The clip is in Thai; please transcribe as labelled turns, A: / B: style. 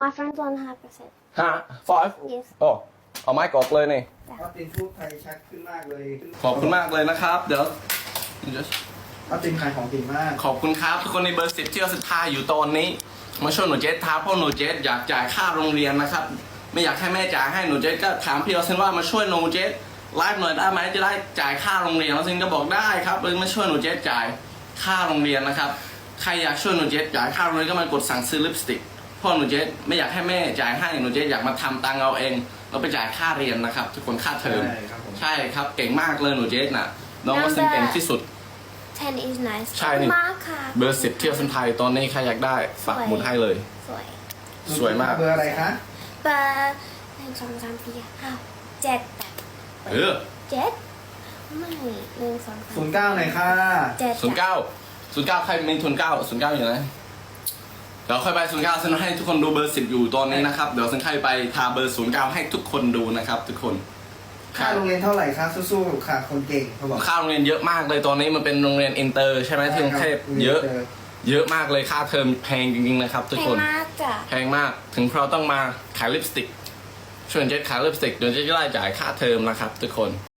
A: My friends 100%.
B: 5
A: Yes.
B: โอ้เอาไม้กอกเลยนี่
C: ออตินพูดไทยชัดขึ้นมากเลย
B: ขอบคุณมากเลยนะครับ เดี๋ยว
C: ออตินขายของเก่งมาก
B: ขอบคุณครับทุกคนในเบอร์10ที่เราศรัทธาอยู่ตอนนี้ มาช่วยหนูเจสท้าเพราะหนูเจสอยากจ่ายค่าโรงเรียนนะครับ ไม่อยากให้แม่จ่ายให้หนูเจสก็ถามพี่เราเซนว่ามาช่วยหนูเจสไลฟ์หน่อยได้ไหมจะได้จ่ายค่าโรงเรียนเราเซนก็บอกได้ครับมาช่วยหนูเจสจ่ายค่าโรงเรียนนะครับใครอยากช่วยหนูเจสจ่ายค่าโรงเรียนก็มากดสั่งซื้อลิปสติกเพราะหนูเจสไม่อยากให้แม่จ่ายให้หนูเจสอยากมาทำตังเอาเองเราไปจ่ายค่าเรียนนะครับทุกคนค่าเทอม
C: ใช่ครับผม
B: ใช่ครับเก่งมากเลยหนูเจสน่ะน้องว่าเซนเก่งที่สุด
A: 10 is nice.
B: ใช่นี่
A: มากค่ะ
B: เบอร์10เที่ยวเส้นไทยตอนนี้ใครอยากได้ฝากหมุดให้เลย
A: สวย
B: สวยมาก
C: เบอร์อะไรคะ
A: เบอร์1 2 3 4 5 7
B: เออ
A: 7ไม่1 2 3
C: 09หน่อยค่ะ
A: 7
B: 09ใครมีทุน9 09อยู่ไหนเดี๋ยวค่อยไป09ฉันให้ทุกคนดูเบอร์10อยู่ตอนนี้นะครับเดี๋ยวฉันค่อยไปทาเบอร์09ให้ทุกคนดูนะครับทุกคน
C: ค่าโรงเรียนเท่าไหร่คะสู้ๆค่ะคนเก่งเขาบอก
B: ค่าโรงเรียนเยอะมากเลยตอนนี้มันเป็นโรงเรียนอินเตอร์ใช่ไหมที่กรุงเทพเยอะมากเลยค่าเทอมแพงจริงๆนะครับทุก
A: แพ
B: ค
A: ง
B: น
A: มากจ้ะ
B: แพงมากถึงเราต้องมาขายลิปสติกช่วยเจ๊ขายลิปสติกเดี๋ยวเจ๊จะได้จ่ายค่าเทอมนะครับทุกคน